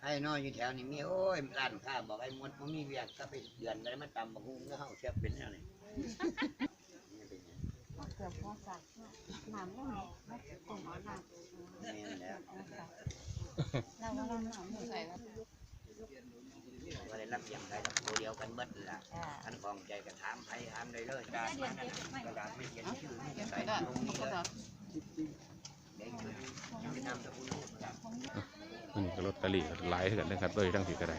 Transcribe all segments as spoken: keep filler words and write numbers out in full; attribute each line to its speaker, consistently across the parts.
Speaker 1: ไอ้น้อยอยู่แถวนี้มีโอ้ยร้านค้าบอกไอ้มดมันมีเวียกก็ไปเดือนอะไรมาตำบักหุ่งก็เฮาเสียเป็นอะไร
Speaker 2: เกือบพอสักน้ำไม่ไม่คงเอาน้ำเราว่าเราหนำใส่แล้ว
Speaker 1: ก็ได้รับเสียงใครตัวเดียวกันเบิดละท่านของใจกระถามใครถามเลยเลยการกระดาษไม่เขียนชื่อใส่ตรงนี้เลยเด็กชื่อนามสกุล
Speaker 3: นี่ก็ลอตเตอรี่หลายกันนะครับด้วยทั้งสี่ก็ได้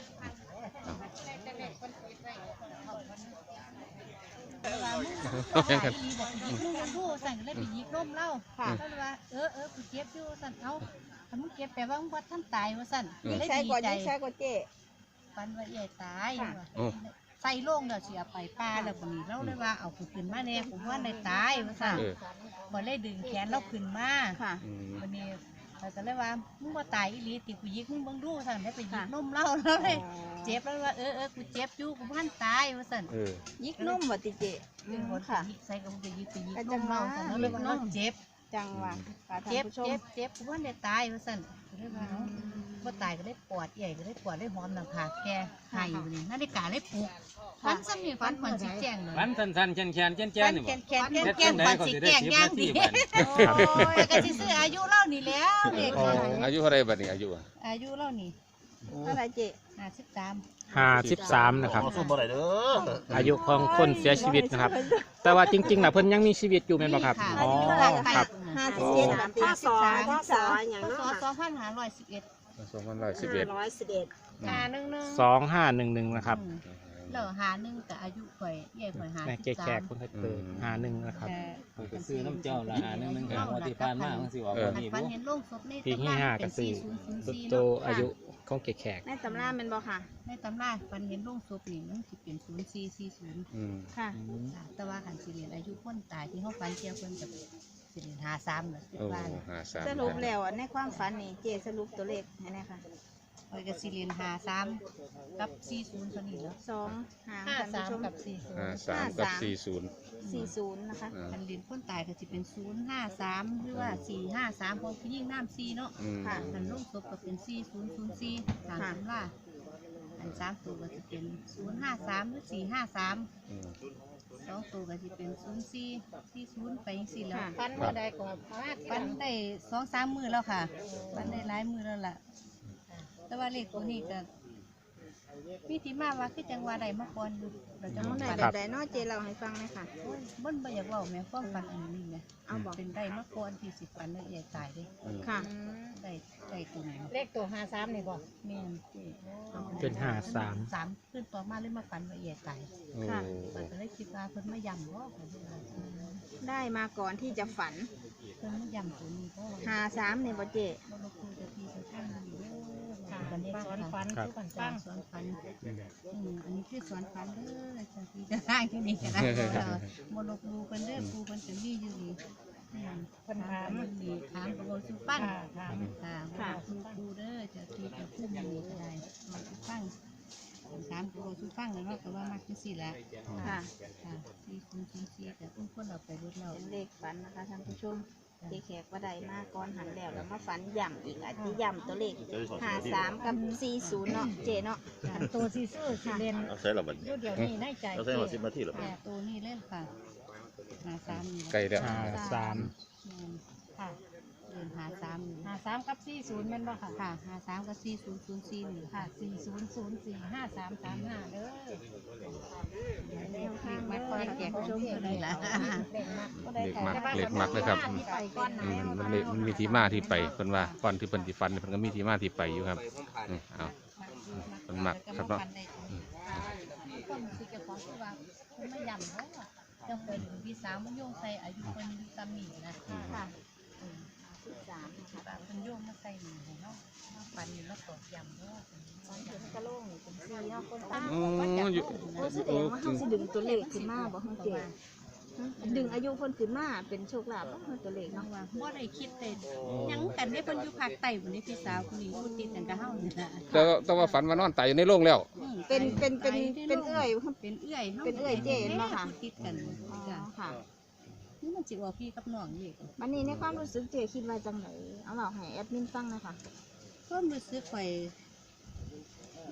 Speaker 4: เอาอย่างกันลูกผู้สั่งเลยไปยิกร่มเล่าก็เลยว่าเออเออกูเก็บอยู่สั่นเอาถ้ามึงเก็บแปลว่ามึงวัดท่านตายว่าสั่นเลยดีใจ
Speaker 2: ใช่ก็เจ๊
Speaker 4: ฟันว่าใหญ่ตายใส่โล่งเดี๋ยวเสียไปป้าแล้วคนนี้เราเลยว่าเอากูขึ้นมาแน่ผมว่าในตายว่าสั่นบ่เลยดึงแขนเราขึ้นมาวันนี้เราจะเลยว่ามึงว่าตายอีหลีติกูยิกมึงเบิ่งดูสั่นได้ไปยิกร่มเล่าแล้วเลยเจ็บแล้วว่าเออเออกูเจ็บอยู่กูพันตายว่าสั่น
Speaker 2: ยิกนุ่มว่ะติเจ
Speaker 4: เป็นคนค่ะยิกใส่ก็จะยิกไปยิกนุ่มเราสั่นแล้วเลยว่าเราเจ็บ
Speaker 2: จังว่ะ
Speaker 4: เจ็บเจ็บเจ็บกูพันได้ตายว่าสั่นเลยว่าว่าตายก็ได้ปวดใหญ่ก็ได้ปวดได้หอมหนังขาแกหายอยู่นี่นาฬิกาได้ปลุกฟันซ้ำนี่ฟันเหมือนสีแจงเลย
Speaker 5: ฟันสั้นๆแขนแขนแขนแขนนี่
Speaker 4: แขนแขนแขนแขนฟันสีแจงย่างดีแต่ก็ซื้ออายุเล่านี่แล้วเด็ก
Speaker 3: อายุเท่าไรบัดนี้อายุ
Speaker 4: อายุเล่านี่
Speaker 2: เท่าไรเจ๊
Speaker 4: ห้าสิบสาม
Speaker 5: ห้าสิบสามนะครับอายุของคนเสียชีวิตนะครับแต่ว่าจริงๆนะเพิ่นยังมีชีวิตอยู่ไหมบ่ครับ
Speaker 4: อ๋อ
Speaker 5: ครับ
Speaker 2: ห้าสิบเจ็ดห้าสองห้าสองอย่างนั้น
Speaker 4: สองพันห้าร้อยสิบเอ็ด
Speaker 3: สองพันร้อยสิบเอ็ด
Speaker 2: ร้อยสิบเอ็ด
Speaker 4: หาหนึ่งหนึ่ง
Speaker 5: สองห้าหนึ่งหนึ่งนะครับ
Speaker 4: เหล่าหาหนึ่งกับอายุข่อยใหญ่ข่อยหาสิบสาม
Speaker 5: แก่ๆคนเคยเปิดหาหนึ่งนะครับ
Speaker 6: ซื้อน้ำเจ้าละหาหนึ่งหนึ่งกับวันที่ผ่านมาของสิววันนี้
Speaker 4: ฟันเห็นโล่งศพใน
Speaker 5: ปีที่ห้ากับสี่โตอายุของแก่
Speaker 2: ๆในตำราเป็นบ่ค่ะ
Speaker 4: ในตำราฟันเห็นโล่งศพนี่มันสิเป็นศูนย์สี่สี่ศูนย์
Speaker 2: ค่ะ
Speaker 4: แต่ว่าขันสิเรียนอายุคนตายที่เขาฟันเกี่ยวคนกับสิเรียนหาซ้ำเลย
Speaker 2: สรุปแล้วในความฝันนี่เจสรุปตัวเลขให้แน่ค่ะ
Speaker 4: ไปกับสิเรียนหาซ้ำกับสี่ศูนย์คนนี้แล้ว
Speaker 2: สอง
Speaker 4: ห้าสามกับสี่ศูนย์
Speaker 3: ห้าสามกับสี่ศูนย์
Speaker 2: สี่ศูนย์นะคะ
Speaker 4: ขันเรียนคนตายก็จะเป็นศูนย์ห้าสามหรือว่าสี่ห้าสามพอพี่ยิ่งน้ำสี่เนาะค่ะขันโล่งศพก็เป็นสี่ศูนย์ศูนย์สี่ตามตำราอันสามตัวก็จะเป็นศูนย์ห้าสามหรือสี่ห้าสามสองตัวก็จะเป็นศูนย์สี่สี่ศูนย์ไปสี่แล้วฟันเมื่อใดก็ฟันได้สองสามมือแล้วค่ะฟันได้หลายมือแล้วล่ะแต่ว่าเลขตัวนี้ก็มีที่มาว่าคือจังหวะใดมาก่อนอยู่เราจะ
Speaker 2: มันได้แบบใดนอเจเราให้ฟังเลยค่ะ
Speaker 4: เบิ้ลบ่อยากว่าแม่ฟ้องฟันอันนี้ไงเอาบอกเป็นได้มาก่อนที่สิบฟันแล้วใหญ่ตายเลย
Speaker 2: ค่ะ
Speaker 4: ได้ได้ตัวไหน
Speaker 2: เลขตัวห้าสามนี่บอก
Speaker 4: แม่
Speaker 5: เป็นห้าสาม
Speaker 4: สามขึ้นต่อมาเลยมาฟันว่าใหญ่ตาย
Speaker 2: ค่ะ
Speaker 4: ก็เลยคิดว่าเพิ่นไม่ยำว่า
Speaker 2: ได้มาก่อนที่จะฝัน
Speaker 4: เพิ่นไม่ยำตัวนี้ก็
Speaker 2: ห้าสามนี่บ่เจ
Speaker 4: เราคุยกับพี่จะตั้งอยู่บันนี้สอนฟันคือบันจ้างสอนฟันอันนี้คือสอนฟันเด้อจะพี่จะได้ที่นี่กันนะมโนครูเป็นเด้อครูเป็นจะมีอยู่ดีปัญหามันดีถามกับเราสุปั้งถามค่ะครูครูเด้อจะพี่จะพูดอย่างนี้ก็ได้เราสุปั้งถามกับเราสุปั้งแล้วก็ว่ามักจะสี่ละค่ะค่ะสี่คูณสี่สี่แต่พุ่งคนเราไปรถเรา
Speaker 2: เลขฝันนะคะท่านผู้ชมเจแขกว่าใดมากก้อนหันแล้วแล้วมาฝันย่ำอีกอาจจะย่ำตัวเลขห้าสามกับสี่ศูนย์เนาะเจเนาะ
Speaker 4: ตัวสี่ศูนย์เรียน
Speaker 6: ใช่หรอบัด
Speaker 4: เดี๋ยวนี้ได้ใจ
Speaker 6: เราใช้มาสิบนาทีหรอ
Speaker 4: ตัวนี้เล่นค่ะห้าสาม
Speaker 3: ไกลแล้ว
Speaker 5: ห้าสาม
Speaker 4: ค่ะเรียนห้าสาม
Speaker 2: ห้าสามกับสี่ศูนย์มันบ่ค่ะ
Speaker 4: ค่ะห้าสามกับสี่ศูนย์ศูนย์สี่หนึ่งค่ะ
Speaker 2: สี่ศูนย์ศูนย์สี่ห้าสามสามห้าเด้อ
Speaker 4: เด็กมักคอยแจกชมเลยล่ะ
Speaker 3: เด็กมักเด็กมักเลยครับมันมันมีที่มาที่ไปคนว่าก่อนที่เป็นที่ฟันมันก็มีที่มาที่ไปอยู่ครับเอามันมักครับเนาะ
Speaker 4: คนสิเก็บของคือว่าคนไม่ยำเพราะว่าจะเป็นพี่สาวมันโยงใส่อายุคนอยู่ตำหนินะค่ะสามนะคะเป็นโยงมาใส่หนึ่งของเขาฟันอยู่แล้วตอกยำเพราะว่าฟันอยู่กระโล่งเป็นซีเนาะคนตา
Speaker 2: ก็จะโอ้แสดงว่าเขาสิดึงตัวเลขขึ้นมาบอกเขาเจ๋ดึงอายุคนขึ้นมาเป็นโชคลาภเขาตัวเลขเนาะ
Speaker 4: ว่าว่าได้คิดเต็มยังกันได้คนอยู่ภาคใต้วันนี้พี่สาวคนนี้พูดติดกันกับเฮาเนี่ย
Speaker 3: แต่แต่ว่าฝันว่านอนตายอยู่ในโรงแล้ว
Speaker 2: เป็นเป็นเป็นเป็นเอื้อย
Speaker 4: เป็นเอื้อย
Speaker 2: เป็นเอื้อยเจนมาค่ะ
Speaker 4: ติดกันจ้ะค่ะนี่มันจิว่าพี่กับน้องนี่
Speaker 2: วันนี้ในความรู้สึกเจคิดว่าจังไหนเอาเราให้แอดมินฟังนะคะ
Speaker 4: ก็รู้สึกไป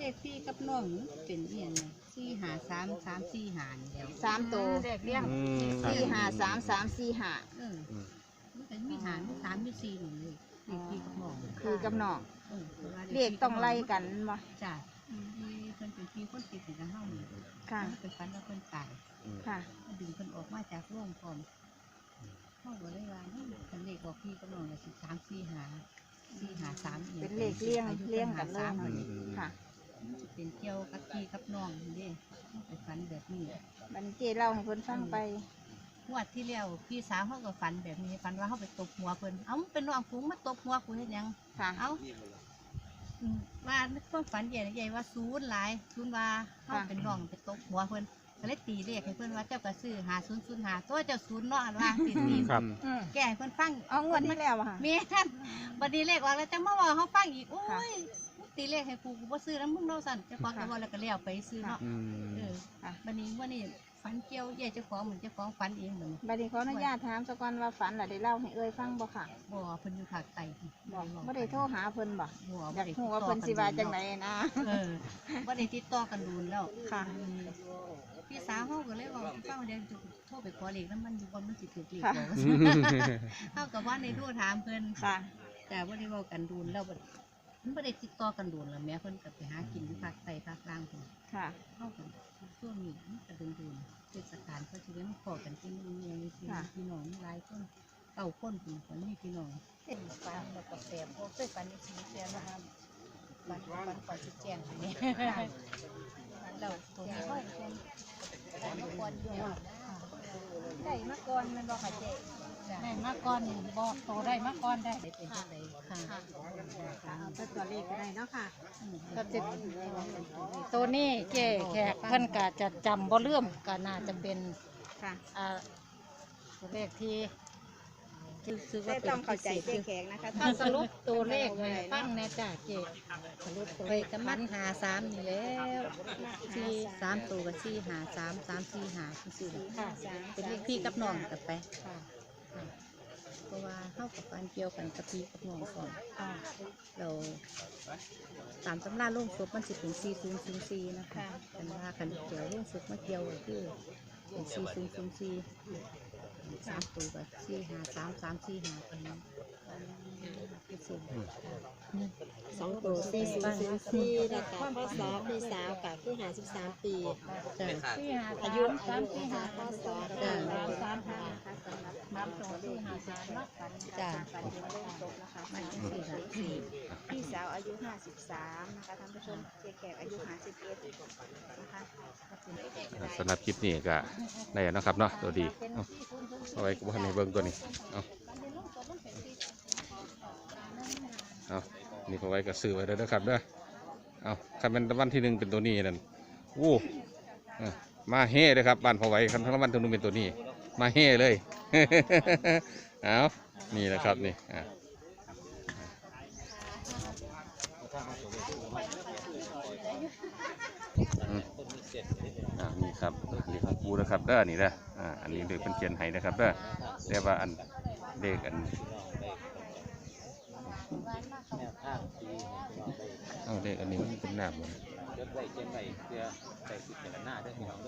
Speaker 4: เลขพี่กับน้องเป็นเอียงสี่หาสามสามสี่หานี่แล้ว
Speaker 2: สามตัว
Speaker 4: เลขเลี้ยง
Speaker 3: อืม
Speaker 2: สี่ห้าสามสามสี่ห้า
Speaker 4: เออมันเป็นมีหารมีสามมีสี่หนึ่งเลยเลขพี่กับน้อง
Speaker 2: คือกับน้อง
Speaker 4: เออพราะว่า
Speaker 2: เลขต้องไล่กันบ่
Speaker 4: จ้ะที่เพิ่นเป็นพี่คนติดกันเฮานี่
Speaker 2: ค่ะ
Speaker 4: ไปฟันแล้วเพิ่นตาย
Speaker 2: ค่ะ
Speaker 4: ดึงเพิ่นออกมาจากโรงพร้อมเฮาก็เลยว่าเฮ้ยคันเลขบอกพี่กับน้องก็สิสามสี่หาสี่หาสามอีย
Speaker 2: เป็นเลขเลี้ยงเลี้ยงกันเลย
Speaker 4: อา
Speaker 2: เนาะ
Speaker 4: ยุพิ่นหาสาม
Speaker 2: ค่ะ
Speaker 4: เป็นเกี่ยวกับพี่กับน้องนี่เด้ไปฝันแบบนี้
Speaker 2: บัดนเจเล่าให้เพิ่นฟังไป
Speaker 4: งวดที่แล้วพี่สาวเขาก็ฝันแบบนี้ฝันว่าเขาไปตบหัวเพิ่นเอ้ามันเป็นน้องฝูงมาตบหัวกูเฮ็ดหยัง
Speaker 2: ค่ะ
Speaker 4: เอ้าอืมว่าในความฝันใหญ่ใหญ่ว่าศูนย์หลายศูนย์ว่าเขาเป็นน้องไปตบหัวเพิ่นก็เลยตีเลขให้เพิ่นว่าเจ้าก็ซื้อหาศูนย์ศูนย์หาตัวเจ้าศูนย์เนาะอันว่าตีตี
Speaker 5: ครับ
Speaker 2: อืม
Speaker 4: แก้ให้เพิ่นฟัง
Speaker 2: เอางวดที่แล้วอะค่ะ
Speaker 4: แม่นบัดนี้เลขออกแล้วจังมาเว่าเขาฟังอีกโอ้ยมึงตีเลขให้กูกูบ่ซื้อแล้วมึงเนาะสั่นเจ้าของก็บ่แล้วก็เลี้ยวไปซื้อเนาะ
Speaker 3: อืม
Speaker 4: เออบัดนี้ว่านี่ฝันเกี่ยวใหญ่เจ้าของเหมือนเจ้าของฝันเองเหมือน
Speaker 2: บัดนี้ขออนุญาตถามสักวันว่าฝันล่ะได้เล่าให้เอ้ยฟังบ่ค่ะ
Speaker 4: บ่เพิ่นอยู่ภาคใต้
Speaker 2: บอกบ่ได้โทรหาเพิ่นบ่
Speaker 4: บ่
Speaker 2: อ
Speaker 4: บ่
Speaker 2: ยาก
Speaker 4: ได้
Speaker 2: ฮู้ว่าเพิ่นสิว่าจังไดนะ
Speaker 4: เออบ่ได้ติดต่อกันดูนแล้ว
Speaker 2: ค่ะ
Speaker 4: อืมพี่สาวเฮาก็เลยบอกฟังว่าเดี๋ยวจะโทรไปขอเลขนำมันอยู่บ่มันสิถูกเลข
Speaker 2: ค่ะ
Speaker 4: บ่เฮาก็ว่าในโทรถามเพิ่น
Speaker 2: ค่ะ
Speaker 4: แต่บ่ได้เว้ากันดูนแล้วบ่มันบ่ได้ติดต่อกันดูนแล้วแม่เพิ่นก็ไปหากินอยู่ภาคใต้ภาคกลางพุ่น
Speaker 2: ค่ะ
Speaker 4: เฮาก็ช่วงนี้มันก็ดูนๆเทศกาลเขาสิได้มาขอกันจริงๆเนี่ยสิพี่น้องหลายคนเก้าคนพุ่นคนนี้พี่น้องเป็นฟันแล้วก็แปมบ่เคยฟันในชีวิตแล้วนะคะฟันฟันก่อนสิแจ้งอันนี้เราตัวนี้เฮาเป็นฟันก่อนอยู่ได้มาก่อนแม่นบ่ค่ะเจ๊
Speaker 7: ได้มาก่อนบอกโตได้มาก่อนได้
Speaker 4: ได้เป็นจังไดค่ะ
Speaker 7: เอาแต่ตัวเลขก็ได้เนาะค่ะ
Speaker 4: อืม
Speaker 7: ก็จะตัวนี้เจ๊แขกเพิ่นก็จะจำบ่เลื่อมก็น่าจะเป็น
Speaker 2: ค่ะ
Speaker 7: อ่าตัวเลขที่ที่ซื้อ
Speaker 2: แต่
Speaker 7: ว่าเป็
Speaker 2: ต้อน งเข้าใจ
Speaker 7: พิ
Speaker 2: เจ๊
Speaker 7: เศษ
Speaker 2: แขกนะคะ
Speaker 7: ถ้าสรุปตัวเลขให้ฟังแน่จ้าเจ๊สรุปตัว
Speaker 4: ไป
Speaker 7: เลข
Speaker 4: กั
Speaker 7: กัน น
Speaker 4: มั
Speaker 7: มัน น
Speaker 4: หาสามนี่แล้วสี่สามตัวกับสี่หาสามสามสี่หาสี่แหละ
Speaker 7: ค่ะ
Speaker 4: เป็นเลขพี่กับน้องกันไป
Speaker 7: ค่ะ
Speaker 4: ค่ะเพราะว่าเข้ากับการเกี่ยวกันกับพี่กับน้องก่อน
Speaker 7: ค่ะ
Speaker 4: เราตามตำราโล่งศพมันสิเป็นสี่ศูนย์ศูนย์สี่นะคะกันว่ากันเกี่ยวโล่งศพมาเกี่ยวก็คือเป็นสี่ศูนย์ศูนย์สี่สามตัวกับสี่หาสามสามสี่หาเป็นเป็นสิ่ง
Speaker 8: สองตัวสี่ศูนย์ศูนย์สี่แล้วก็พ่อสาวพี่สาวกับคือหาสิบสามปี
Speaker 4: จ้ะ
Speaker 7: สี่หา
Speaker 8: อายุ
Speaker 7: สามสี่หา
Speaker 8: พ่อสาว
Speaker 7: สา
Speaker 8: ได้
Speaker 7: มสามหาสามตัวสี่หาสามเนาะ
Speaker 4: จ้ะ
Speaker 2: ฝันอยู่ในโรงศพนะคะ
Speaker 4: มา
Speaker 2: ฝัน
Speaker 4: จังสี่ละ
Speaker 2: พี่สาวอายุห้าสิบสามนะคะท่านผู้ชมเจ๊แขกอายุห้าสิบเอ็ดนะคะ
Speaker 3: สำหรับคลิปนี้ก็ได้แล้วเนาะครับเนาะตัวดีเอาเอาไว้กับว่าในเบิ้งตัวนี้เอาเอานี่เขาไว้กับซื้อไว้เด้อนะครับเด้อเอาคันเป็นรางวัลที่หนึ่งเป็นตัวนี้นั่นอู้เอ้อมาเฮ่เลยครับบ้านพอไว้คันรางวัลที่หนึ่งเป็นตัวนี้ มาเฮ่เลย เอานี่แหละครับนี่อ่าอืมอ่านี่ครับนี่ของกูนะครับเด้อนี่เด้ออ่าอันนี้เด็กเป็นเขียนให้นะครับเด้อแต่ว่าอันเด็กอัน
Speaker 6: แนวทางที่
Speaker 3: เอาเด็กอันนี้มันเป็นหน้าเหมือน
Speaker 6: ยศไว้เขียนไว้เพื่อใส่สิทธิ์แต่ละหน้าด้วยพี่น้อง